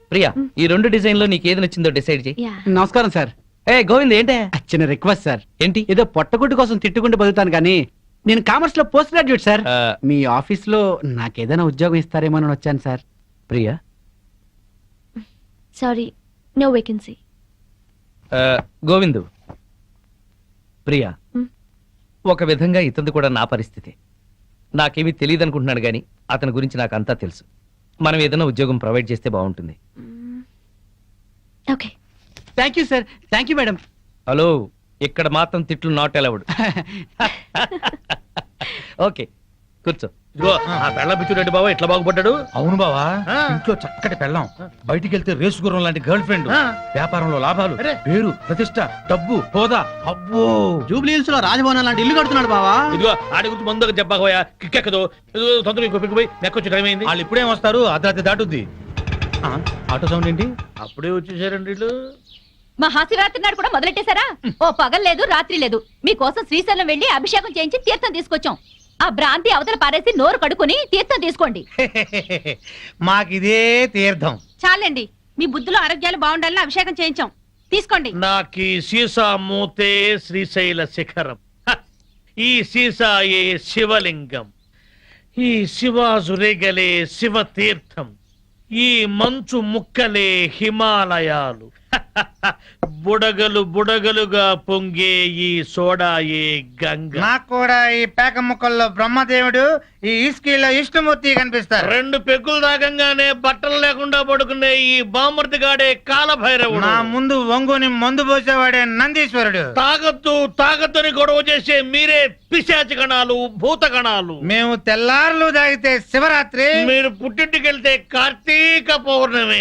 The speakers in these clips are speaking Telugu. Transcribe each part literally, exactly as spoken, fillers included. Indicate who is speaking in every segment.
Speaker 1: ప్రియా ఈ రెండు డిజైన్ లో నీకు ఏది నచ్చిందో డిసైడ్ చేయి.
Speaker 2: నమస్కారం సార్.
Speaker 1: ఏ గోవింద్ ఏంటే
Speaker 2: చిన్న రిక్వెస్ట్ సార్.
Speaker 1: ఏంటి?
Speaker 2: ఏదో పొట్టగుడ్డు కోసం తిట్టుకుంటూ బతుకుతాను కానీ నేను కామర్స్ లో పోస్ట్ గ్రాడ్యుయేట్ సార్.
Speaker 1: ఆ,
Speaker 2: మీ ఆఫీస్ లో నాకేదైనా ఉద్యోగం ఇస్తారేమో అని వచ్చాను sir.
Speaker 1: Priya
Speaker 3: sorry, no vacancy.
Speaker 1: ఆ, గోవిందు ప్రియా
Speaker 3: Hmm.
Speaker 1: ఒక విధంగా ఇతను కూడా నా పరిస్థితి. నాకేమీ తెలియదు అనుకుంటున్నాడు గాని అతని గురించి నాకు అంతా తెలుసు. మనం ఏదైనా ఉద్యోగం ప్రొవైడ్ చేస్తే బాగుంటుంది.
Speaker 3: Okay.
Speaker 2: Thank you sir. Thank you madam.
Speaker 1: Hello, ఇక్కడ మాత్రం తిట్లు నాట్ అలౌడ్. ఓకే కూర్చో. ఇదిగో ఆ పెళ్ళ పిచ్చురెడ్డి బాబా ఎట్లా బాగుపడ్డాడు.
Speaker 4: అవును బావా,
Speaker 1: ఆ.
Speaker 4: ఇంట్లో చక్కటి పెళ్ళం, బయటికి వెళ్తే రేసు గుర్రం లాంటి గర్ల్ ఫ్రెండ్,
Speaker 1: ఆ.
Speaker 4: వ్యాపారంలో లాభాలు,
Speaker 1: అరే.
Speaker 4: పేరు ప్రతిష్ట, డబ్బు హోదా. అబ్బో,
Speaker 2: జూబ్లీహిల్స్ లో రాజభవనం లాంటి ఇల్లు కడుతున్నాడు బావా.
Speaker 1: ఇదిగో ఆడి గురించి ముందుకు చెప్పకపోయా కిక్కెక్కదు. తొందరగా ఇంకో పిక్కిపోయి నెక్కొచ్చి టైం అయింది.
Speaker 4: వాళ్ళు ఇప్పుడేం వస్తారు, అర్ధరాత్రి దాటుద్ది. ఆ, ఆటో సౌండ్ ఏంటి?
Speaker 1: అప్పుడే వచ్చేసారండి వీళ్ళు.
Speaker 5: మహాశివరాత్రి నాడు కూడా మొదలెట్టేశారా? ఓ పగలు లేదు రాత్రి లేదు, మీకోసం శ్రీశైలం వెళ్లి అభిషేకం చేయించి తీర్థం తీసుకొచ్చాం. ఆ భ్రాంతి అవతల పారేసి నోరు కడుక్కుని తీర్థం తీసుకోండి.
Speaker 4: మాకిదే తీర్థం.
Speaker 5: చాలండి, మీ బుద్ధులు ఆరోగ్యాలు బాగుండాలని అభిషేకం చేయించాం. తీసుకోండి.
Speaker 6: నాకి సీసా మూతే శ్రీశైల శిఖరం, హ! ఈ సీసాయే శివలింగం, ఈ శివాజురేగలే శివ తీర్థం, ఈ మంచు ముక్కలే హిమాలయాలు, హ! హ! హ! బుడగలు బుడగలుగా పొంగే ఈ సోడాయే గంగ.
Speaker 7: నాకు కూడా ఈ పేక ముక్కల్లో బ్రహ్మదేవుడు, ఈ ఇస్కీలో విష్ణుమూర్తి కనిపిస్తారు.
Speaker 6: రెండు పెగ్గులు తాగంగానే బట్టలు లేకుండా పడుకునే ఈ బామర్తిగాడే కాలభైరవుడు.
Speaker 7: నా ముందు వంగుని మందు పోసేవాడే నందీశ్వరుడు.
Speaker 6: తాగద్దు తాగద్దని గొడవ చేసే మీరే పిశాచి గణాలు, భూత గణాలు.
Speaker 7: మేము తెల్లారులు తాగితే శివరాత్రి,
Speaker 6: మీరు పుట్టింటికెళ్తే కార్తీక పౌర్ణమి.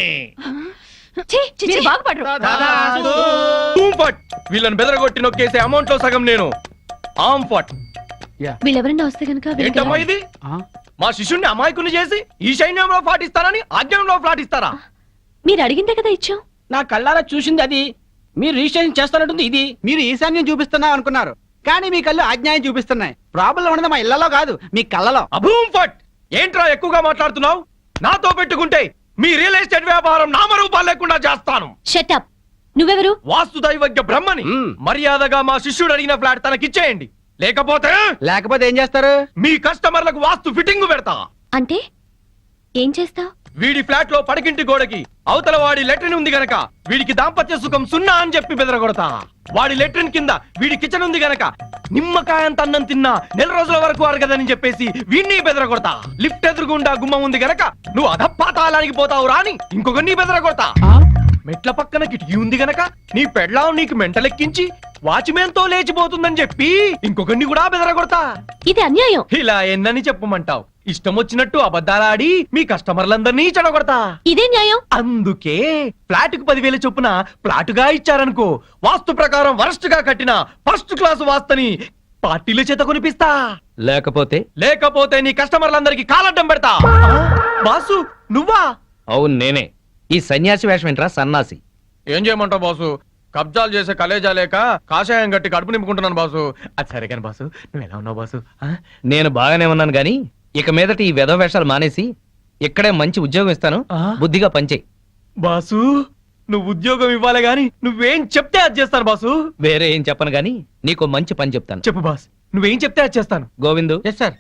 Speaker 5: ఛీ, మీరు బాగుపడరు.
Speaker 7: దాదాపు
Speaker 1: ఫట్ వీళ్ళని బెదరగొట్టి నొక్కేసే అమౌంట్ లో సగం నేను. ఆమ్ ఫట్
Speaker 3: వీళ్ళెవరన్నా వస్తే కనుక
Speaker 1: ఏంటమ్మా ఇది? మా శిష్యుణ్ణి అమాయకుని చేసి ఈ సైన్యంలో పాటిస్తారని ఆజ్ఞంలో పాటిస్తారా?
Speaker 3: మీరు అడిగిందే కదా ఇచ్చాం.
Speaker 2: నా కళ్ళారా చూసింది అది. మీరు రిజిస్ట్రేషన్ చేస్తున్నట్టుంది ఇది. మీరు ఈశాన్యం చూపిస్తున్నా అనుకున్నారు కానీ మీ కళ్ళు అజ్ఞాయం చూపిస్తున్నాయి. ప్రాబ్లం ఉన్నది మా ఇళ్లలో కాదు, మీ కళ్ళలో.
Speaker 1: అభూమ్ ఫట్ ఏంట్రా ఎక్కువగా మాట్లాడుతున్నావు? నాతో పెట్టుకుంటే మీ రియల్ ఎస్టేట్ వ్యాపారం నామరూపాలు లేకుండా చేస్తాను.
Speaker 3: షటప్. నువ్వెవరు?
Speaker 1: వాస్తు దైవజ్ఞ బ్రహ్మని. మర్యాదగా మా శిష్యుడు అడిగిన ఫ్లాట్ తనకిచ్చేయండి, లేకపోతే
Speaker 2: లేకపోతే ఏం చేస్తారు?
Speaker 1: మీ కస్టమర్లకు వాస్తు ఫిట్టింగ్ పెడతా.
Speaker 3: అంటే ఏం చేస్తావ్?
Speaker 1: వీడి ఫ్లాట్ లో పడకింటి గోడకి అవతల వాడి లెట్రిన్ ఉంది గనక వీడికి దాంపత్య సుఖం సున్నా అని చెప్పి బెదరగొడతా. వాడి లెట్రిన్ కింద వీడి కిచెన్ ఉంది గనక నిమ్మకాయంత అన్నం తిన్నా నెల రోజుల వరకు అరగదని చెప్పేసి వీడిని బెదరగొడతా. లిఫ్ట్ ఎదురుగుండా గుమ్మం ఉంది గనక నువ్వు అధపాతాళానికి పోతావు రాని ఇంకొకరిని బెదరగొడతా. మెట్ల పక్కన కిటికీ ఉంది గనక నీ పెళ్ళాం నీకు మెంటలెక్కించి వాచ్మెన్ తో లేచిపోతుందని చెప్పి ఇంకొకరిని కూడా బెదరగొడతా.
Speaker 3: ఇది అన్యాయం.
Speaker 1: ఇలా ఎన్నని చెప్పమంటావు? ఇష్టం వచ్చినట్టు అబద్ధాలాడి మీ కస్టమర్లందరినీ చెడగొడతా.
Speaker 3: ఇదే న్యాయం.
Speaker 1: అందుకే ఫ్లాట్ కు పదివేల చొప్పున ఫ్లాటుగా ఇచ్చారనుకో, వాస్తు ప్రకారం వరస్ట్ గా కట్టిన ఫస్ట్ క్లాస్ వాస్తుని పార్టీల చేత కొనిపిస్తా. లేకపోతే లేకపోతే నీ కస్టమర్లందరికి కాలడ్డం పెడతా. బాసు నువ్వా? అవును నేనే. ఈ సన్యాసి వేషం ఏంట్రా సన్నాసి? ఏం చేయమంటావు బాసు? కబ్జాలు చేసే కలేజా లేక కాషాయం గట్టి కడుపు నింపుకుంటున్నాను బాసు. అది సరే కానీ బాసు, నువ్వు ఎలా ఉన్నావు బాసు? నేను బాగానే ఉన్నాను గాని ఇక మీదట ఈ వెధవ వేషాలు మానేసి ఇక్కడే మంచి ఉద్యోగం ఇస్తాను, బుద్ధిగా పనిచేయి. బాసు నువ్వు ఉద్యోగం ఇవ్వాలి గాని నువ్వేం చెప్తే అది చేస్తాను బాసు. వేరే ఏం చెప్పను గాని నీకు మంచి పని చెప్తాను. చెప్పు బాస్, నువ్వేం చెప్తే అది చేస్తాను. గోవిందు.
Speaker 2: Yes sir.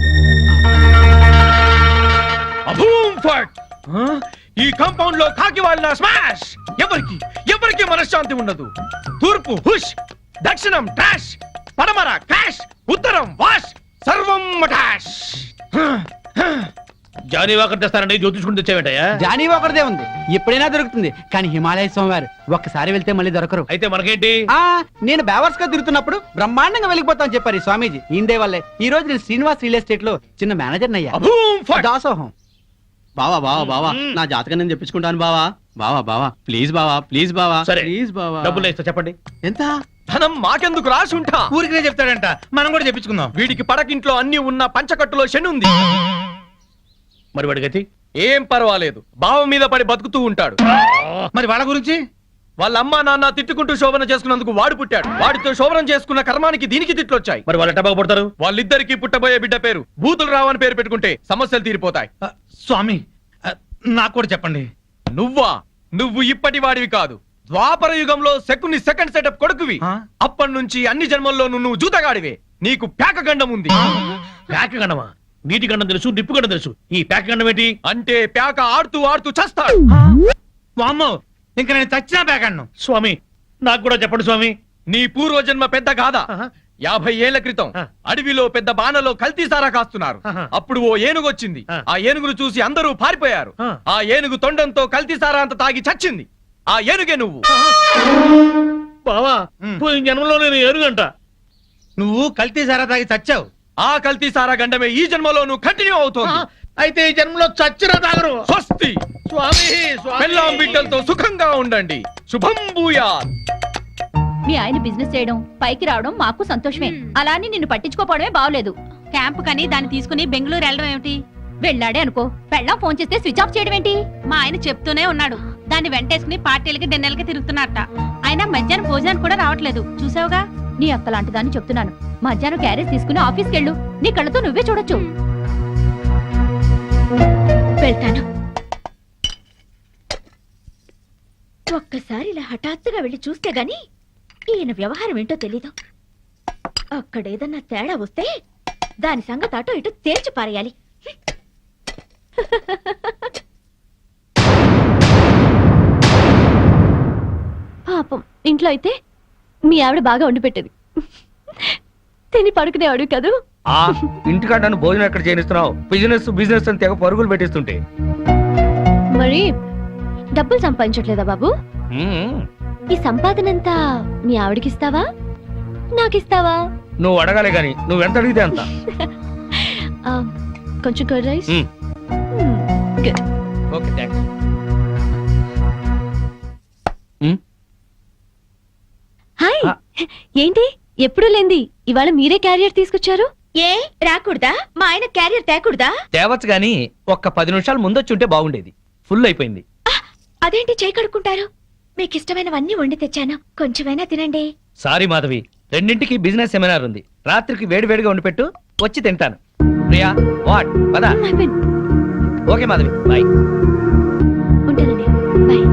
Speaker 1: అభూమ్ ఫట్! ఈ కాంపౌండ్ లో కాకి వాళ్ళ స్మాష్. ఎవరికి ఎవరికి మనశ్శాంతి ఉండదు. తూర్పు హుష్, దక్షిణం ట్రాష్, పడమర క్రాష్, ఉత్తరం వాష్, సర్వం మటాష్.
Speaker 6: జానీ వాకర్ తెస్తానండి, జ్యోతిష్కుని తెచ్చావేంటయ్యా?
Speaker 2: జానీ ఒకరిదే ఉంది, ఎప్పుడైనా దొరుకుతుంది. కానీ హిమాలయ స్వామివారు ఒక్కసారి వెళ్తే మళ్ళీ దొరకరు.
Speaker 6: అయితే మనకేంటి?
Speaker 2: ఆ నేను బేవర్స్ గా తిరుగుతున్నప్పుడు బ్రహ్మాండంగా వెళ్ళిపోతాను చెప్పారు ఈ స్వామీజీ. ఈందే వల్లే ఈ రోజు నేను శ్రీనివాస్ రియల్ ఎస్టేట్ లో చిన్న మేనేజర్ అయ్యా.
Speaker 1: అభూమ్ ఫట్!
Speaker 2: దాసోహం.
Speaker 8: బావా బావా బావా నా జాతకం నేను చెప్పించుకుంటాను బావా. బావా బావా ప్లీజ్ బావా, ప్లీజ్ బావా,
Speaker 6: సరే.
Speaker 8: ప్లీజ్ బావా.
Speaker 6: డబ్బులు ఇస్తా, చెప్పండి.
Speaker 8: ఎంత?
Speaker 1: ధనం మాకెందుకు రాసి ఉంటా.
Speaker 7: ఊరికినే చెప్తాడంట, మనం కూడా చెప్పించుకుందాం.
Speaker 1: వీడికి పడకింట్లో అన్ని ఉన్న పంచకట్టులో శని ఉంది.
Speaker 6: మరి వాడి గతి?
Speaker 1: ఏం పర్వాలేదు, బావ మీద పడి బతుకుతూ ఉంటాడు.
Speaker 7: మరి వాళ్ళ గురించి?
Speaker 1: వాళ్ళ అమ్మా నాన్న తిట్టుకుంటూ శోభన చేసుకున్నందుకు వాడు పుట్టాడు. వాడితో శోభనం చేసుకున్న కర్మానికి దీనికి తిట్లొచ్చాయి.
Speaker 6: మరి వాళ్ళు ఎట్ట బాగుపడతారు?
Speaker 1: వాళ్ళిద్దరికి పుట్టబోయే బిడ్డ పేరు బూతులు రావని పేరు పెట్టుకుంటే సమస్యలు తీరిపోతాయి.
Speaker 7: ఆ, స్వామి ఆ, నాకు కూడా చెప్పండి.
Speaker 1: నువ్వా? నువ్వు ఇప్పటి వాడివి కాదు. ద్వాపర యుగంలో శకుని సెకండ్ సెటప్ కొడుకువి.
Speaker 7: ఆ?
Speaker 1: అప్పటి నుంచి అన్ని జన్మల్లో నువ్వు జూతగాడివే. నీకు ప్యాక గండం ఉంది.
Speaker 6: ప్యాక గండమా? నీటి గండం తెలుసు, నిప్పు గండం తెలుసు. ఈ ప్యాక గండం ఏంటి?
Speaker 1: అంటే ప్యాక ఆడుతూ ఆడుతూ చస్తాడు.
Speaker 7: వామ్మో, ఇంక నేను చచ్చినా పేకన్ను.
Speaker 6: స్వామి నాకు కూడా చెప్పండి స్వామి.
Speaker 1: నీ పూర్వజన్మ పెద్ద గాథ.
Speaker 6: ఆహా.
Speaker 1: యాభై ఏళ్ల క్రితం
Speaker 6: ఆ.
Speaker 1: అడవిలో పెద్ద బాణలో కల్తీ సారా కాస్తున్నారు.
Speaker 6: ఆహా.
Speaker 1: అప్పుడు ఓ ఏనుగు వచ్చింది.
Speaker 6: ఆ.
Speaker 1: ఆ ఏనుగును చూసి అందరూ పారిపోయారు.
Speaker 6: ఆ.
Speaker 1: ఆ ఏనుగు తొండంతో కల్తీ సారా అంత తాగి చచ్చింది. ఆ ఏనుగే నువ్వు.
Speaker 6: బావా
Speaker 7: ఉమ్.
Speaker 6: పోయిన జన్మలో నేను ఏనుగంట.
Speaker 7: నువ్వు కల్తీ సారా తాగి చచ్చావు.
Speaker 1: ఆ కల్తీ సారా గండమే ఈ జన్మలో నువ్వు కంటిన్యూ
Speaker 6: ఆ,
Speaker 1: అవుతోంది.
Speaker 6: అయితే ఈ జన్మలో చచ్చినా తాగరు.
Speaker 1: స్వస్తి.
Speaker 6: స్వామి స్వామి.
Speaker 1: పెళ్ళాం బిడ్డలతో సుఖంగా ఉండండి. శుభం భూయాత్.
Speaker 5: మీ ఆయన బిజినెస్ చేయడం పైకి రావడం మాకు సంతోషమే. అలా అని నిన్ను పట్టించుకోపోవడమే బాగలేదు. క్యాంప్ కని దాన్ని తీసుకుని బెంగళూరు వెళ్ళడం ఏమిటి? వెళ్ళాడే అనుకో, పెళ్ళాం ఫోన్ చేస్తే స్విచ్ ఆఫ్ చేయడం ఏంటి? మా ఆయన చెప్తూనే ఉన్నాడు, దాన్ని వెంటేసుకుని పార్టీలకి డిన్నర్లకి తిరుగుతున్నట్ట. ఆయన మధ్యాహ్నం భోజనానికి కూడా రావట్లేదు. చూసావుగా? నీ అక్క లాంటి దాన్ని చెప్తున్నాను. మధ్యాహ్నం క్యారేజ్ తీసుకుని ఆఫీస్కి వెళ్ళు. నీ కళ్ళతో నువ్వే చూడొచ్చు.
Speaker 3: వెళ్తాను. ఒక్కసారి ఇలా హఠాత్తుగా వెళ్ళి చూస్తే గాని ఈయన వ్యవహారం ఏంటో తెలీదు. అక్కడేదన్నా తేడా వస్తే దాని సంగతి అటో ఇటో తేల్చి పారేయాలి. పాపం ఇంట్లో అయితే మీ ఆవిడ బాగా వండి పెట్టేది. తిని పడుకునేవాడు కదూ.
Speaker 4: ఆ ఇంటికాడ నన్ను భోజనం ఎక్కడ చేయనిస్తున్నావు? బిజినెస్ బిజినెస్ అని తెగ పరుగులు పెట్టిస్తుంటే.
Speaker 3: మరి డబ్బులు సంపాదించట్లేదా బాబు?
Speaker 4: మ్మ్.
Speaker 3: ఈ సంపాదనంతా మీ ఆవిడకిస్తావా నాకిస్తావా?
Speaker 4: నువ్వు అడగాలి గాని నువ్వు ఎంత అడిగితే అంత.
Speaker 3: ఆ, కొంచెం curd rice.
Speaker 4: Hmm.
Speaker 3: Hmm, good.
Speaker 4: Okay thanks.
Speaker 3: Hi.
Speaker 4: ఆ.
Speaker 3: ఏంటి ఎప్పుడు లేంది ఇవాళ మీరే క్యారియర్ తీసుకొచ్చారు? ఏ రాకూడదా? మా ఆయన క్యారియర్ తేకూడదా?
Speaker 4: తేవచ్చు గాని ఒక్క పది నిమిషాలు ముందొచ్చుంటే బాగుండేది. ఫుల్ అయిపోయింది.
Speaker 3: అదేంటి చేయి కడుక్కుంటారు? మీకు ఇష్టమైనవన్నీ వండి తెచ్చాను, కొంచెమైనా తినండి.
Speaker 4: సారీ మాధవి, రెండింటికి బిజినెస్ సెమినార్ ఉంది. రాత్రికి వేడి వేడిగా వండి పెట్టు, వచ్చి తింటాను. ప్రియా వాట్ పదా.
Speaker 3: అయిపోయింది.
Speaker 4: Okay Madhavi bye.
Speaker 3: ఉంటానండి. బాయ్.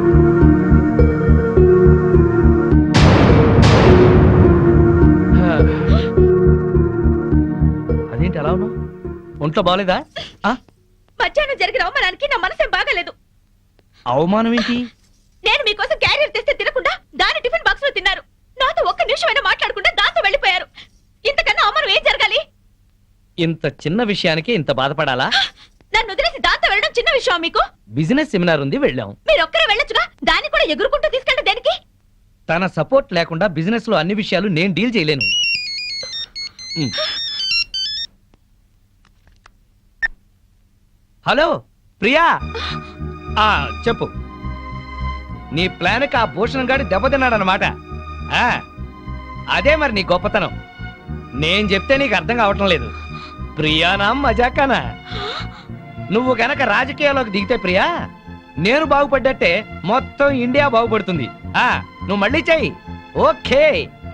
Speaker 4: అదేంటి అలా ఉన్నావు? ఒంట్లో బాగలేదా? ఆ?
Speaker 3: మధ్యాహ్నం జరిగిన అవమానానికి నా మనసేం బాగాలేదు.
Speaker 4: అవమానం ఏంటి?
Speaker 3: నేను మీకోసం క్యారియర్ తెస్తే తినకుండా దాని టిఫిన్ బాక్స్ లో తిన్నారు. నాతో ఒక్క నిమిషమైనా మాట్లాడకుండా దాంతో వెళ్ళిపోయారు. ఇంతకన్నా అవమానం ఏం జరగాలి?
Speaker 4: ఇంత చిన్న విషయానికి ఇంత బాధపడాలా?
Speaker 3: నన్ను వదిలేసి దాంతో వెళ్ళడం చిన్న విషయం మీకు?
Speaker 4: బిజినెస్ సెమినార్ ఉంది, వెళ్ళాం.
Speaker 3: మీరు ఒక్కరే వెళ్ళొచ్చుగా, దాన్ని కూడా ఎగురుకుంటూ తీసుకెళ్ళడం దేనికి?
Speaker 4: తన సపోర్ట్ లేకుండా బిజినెస్ లో అన్ని విషయాలు నేను డీల్ చేయలేను. ఉమ్. హలో ప్రియా. ఆ చెప్పు. నీ ప్లాన్కి ఆ భూషణ్ గాడి దెబ్బతిన్నాడనమాట. ఆ, అదే మరి నీ గొప్పతనం. నేను చెప్తే నీకు అర్థం కావటం లేదు. ప్రియానా మజాకానా? నువ్వు గనక రాజకీయాల్లోకి దిగితే ప్రియా, నేను బాగుపడ్డట్టే మొత్తం ఇండియా బాగుపడుతుంది. ఆ నువ్వు మళ్ళీ చెయ్యి. ఓకే.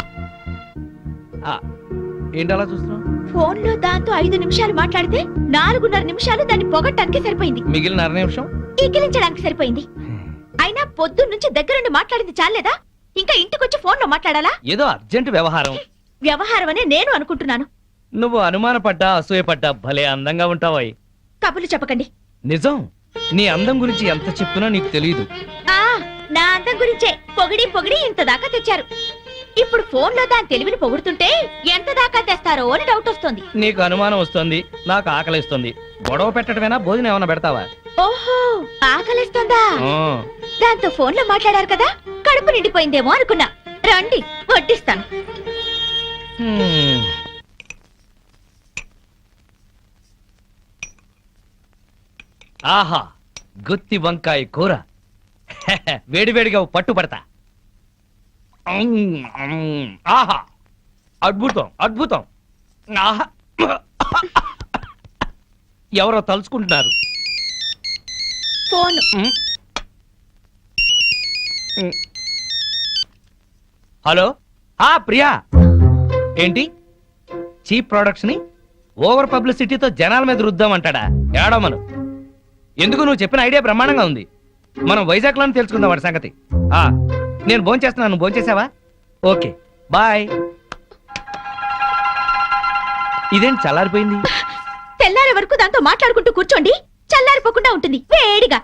Speaker 4: ఆ, ఏంటి అలా చూస్తున్నావు?
Speaker 3: ఫోన్ లో దాంతో ఐదు నిమిషాలు మాట్లాడితే నాలుగున్నర నిమిషాలు దాన్ని పొగట్టానికి సరిపోయింది.
Speaker 4: మిగిలిన అర నిమిషం
Speaker 3: ఈకిలించడానికి సరిపోయింది. అయినా పొద్దున్న నుంచి దగ్గరుండి మాట్లాడింది చాలేదా? ఇంకా ఇంటికొచ్చి ఫోన్ లో మాట్లాడాలా?
Speaker 4: ఏదో అర్జెంట్ వ్యవహారం.
Speaker 3: వ్యవహారం అనే నేను అనుకుంటున్నాను.
Speaker 4: నువ్వు అనుమానపడ్డా అసూయపడ్డా భలే అందంగా ఉంటావాయి.
Speaker 3: కబుర్లు చెప్పకండి.
Speaker 4: నిజం, నీ అందం గురించి ఎంత చెప్పినా నీకు తెలియదు.
Speaker 3: ఆ నా అందం గురించే పొగిడి పొగిడి ఇంత దాకా తెచ్చారు. ఇప్పుడు ఫోన్ లో దాని తెలివిని పొగుడుతుంటే ఎంత దాకా తెస్తారో అని డౌట్ వస్తుంది.
Speaker 4: నీకు అనుమానం వస్తుంది, నాకు ఆకలిస్తుంది. గొడవ పెట్టడమేనా, భోజనం ఏమైనా పెడతావా?
Speaker 3: ఓహో, ఆకలిస్తుందా?
Speaker 4: ఆ.
Speaker 3: దాంతో ఫోన్ లో మాట్లాడారు కదా, కడుపు నిండిపోయిందేమో అనుకున్నా. రండి వడ్డిస్తాను.
Speaker 4: హ్మ్. ఆహా, గుత్తి వంకాయ కూర. వేడివేడిగా పట్టు పడతా. ఆహా, అద్భుతం అద్భుతం. ఆహా, ఎవరో తలుచుకుంటున్నారు.
Speaker 3: ఫోన్
Speaker 4: ఉమ్. ఉమ్. హలో. ఆ ప్రియా, ఏంటి చీప్ ప్రొడక్ట్స్ ని ఓవర్ పబ్లిసిటీతో జనాల మీద రుద్దామంటాడా? ఏడమను. ఎందుకు, నువ్వు చెప్పిన ఐడియా బ్రహ్మాండంగా ఉంది. మనం వైజాగ్ లోనే తెలుసుకుందాం వాడి సంగతి. ఆ నేను భోంచేస్తున్నాను, నువ్వు భోంచేసావా? Okay bye. ఇదేంటి చల్లారిపోయింది?
Speaker 3: తెల్లారే వరకు దాంతో మాట్లాడుకుంటూ కూర్చోండి, చల్లారిపోకుండా ఉంటుంది వేడిగా.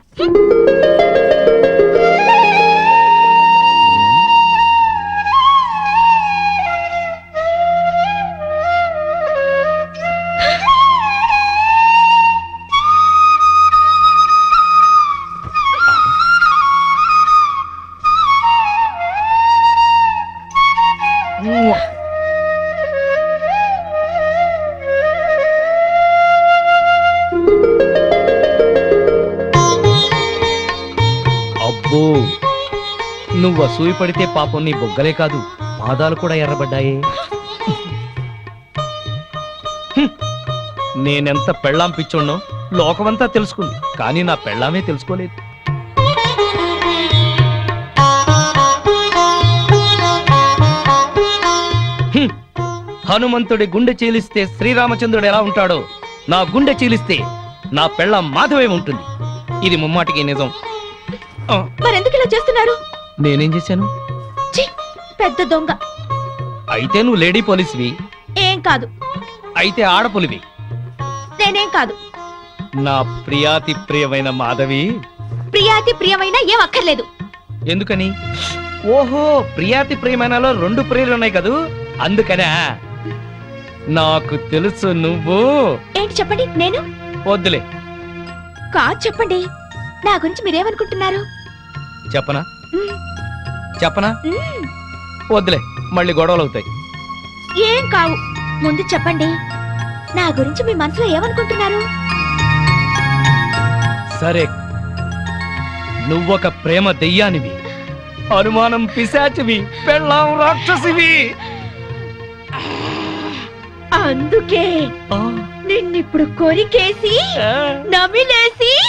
Speaker 4: అబ్బో, నువ్వు అసూయ పడితే పాపం నీ బొగ్గలే కాదు పాదాలు కూడా ఎర్రబడ్డాయే. హ్మ్. నేనెంత పెళ్ళాం పిచ్చోడ్నో లోకమంతా తెలుసుకుంది, కానీ నా పెళ్ళామే తెలుసుకోలేదు. హ్మ్. హనుమంతుడి గుండె చీలిస్తే శ్రీరామచంద్రుడు ఎలా ఉంటాడో, నా గుండె చీలిస్తే నా పెళ్ళాం మాధవే ఉంటుంది. ఇది ముమ్మాటికి నిజం. ఆ,
Speaker 3: మరెందుకు ఇలా చేస్తున్నారు?
Speaker 4: నేనేం చేశాను?
Speaker 3: ఛీ, పెద్ద దొంగ.
Speaker 4: అయితే నువ్వు లేడీ పోలీస్వి,
Speaker 3: ఏం కాదు.
Speaker 4: అయితే ఆడపులివి.
Speaker 3: నేనేం కాదు.
Speaker 4: నా ప్రియాతి ప్రియమైన మాధవి.
Speaker 3: ప్రియాతి ప్రియమైన ఏం అక్కర్లేదు.
Speaker 4: ఎందుకని? ఓహో, ప్రియాతి ప్రియమైనలో రెండు ప్రియులు ఉన్నాయి కదూ, అందుకనా? నాకు తెలుసు నువ్వు.
Speaker 3: ఏంటి చెప్పండి. నేను
Speaker 4: వద్దులే.
Speaker 3: కాదు చెప్పండి. నా గురించి మీరేమనుకుంటున్నారు?
Speaker 4: చెప్పనా?
Speaker 3: మ్,
Speaker 4: చెప్పనా?
Speaker 3: మ్,
Speaker 4: వద్దులే, మళ్ళీ గొడవలు అవుతాయి.
Speaker 3: ఏం కావు. ముందు చెప్పండి, నా గురించి మీ మనసులో ఏమనుకుంటున్నారు?
Speaker 4: సరే, నువ్వొక ప్రేమ దెయ్యానివి, అనుమానం పిశాచివి, పెళ్ళాం రాక్షసివి.
Speaker 3: అందుకే
Speaker 4: ఆ,
Speaker 3: నిన్నిప్పుడు కొరికేసి
Speaker 4: ఆ.
Speaker 3: నమిలేసి